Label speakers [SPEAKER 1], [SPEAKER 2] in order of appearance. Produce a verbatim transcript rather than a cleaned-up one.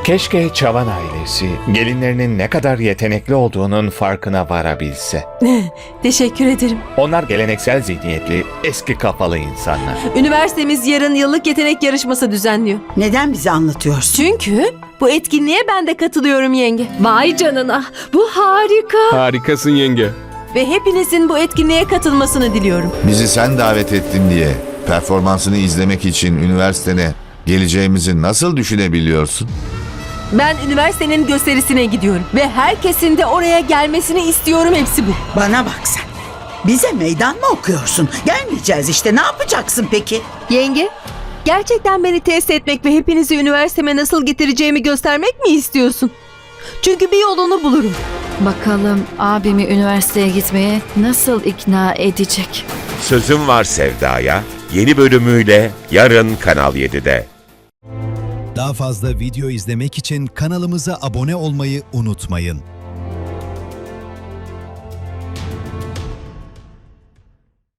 [SPEAKER 1] Keşke Çavan ailesi gelinlerinin ne kadar yetenekli olduğunun farkına varabilse.
[SPEAKER 2] Teşekkür ederim.
[SPEAKER 1] Onlar geleneksel zihniyetli, eski kafalı insanlar.
[SPEAKER 2] Üniversitemiz yarın yıllık yetenek yarışması düzenliyor.
[SPEAKER 3] Neden bize anlatıyorsun?
[SPEAKER 2] Çünkü bu etkinliğe ben de katılıyorum yenge.
[SPEAKER 4] Vay canına, bu harika.
[SPEAKER 5] Harikasın yenge.
[SPEAKER 2] Ve hepinizin bu etkinliğe katılmasını diliyorum.
[SPEAKER 6] Bizi sen davet ettin diye performansını izlemek için üniversitene geleceğimizi nasıl düşünebiliyorsun?
[SPEAKER 2] Ben üniversitenin gösterisine gidiyorum. Ve herkesin de oraya gelmesini istiyorum, hepsi bu.
[SPEAKER 3] Bana bak sen. Bize meydan mı okuyorsun? Gelmeyeceğiz işte. Ne yapacaksın peki?
[SPEAKER 2] Yenge, gerçekten beni test etmek ve hepinizi üniversiteme nasıl getireceğimi göstermek mi istiyorsun? Çünkü bir yolunu bulurum.
[SPEAKER 4] Bakalım abimi üniversiteye gitmeye nasıl ikna edecek?
[SPEAKER 7] Sözüm Var Sevda'ya yeni bölümüyle yarın Kanal yedide.
[SPEAKER 8] Daha fazla video izlemek için kanalımıza abone olmayı unutmayın.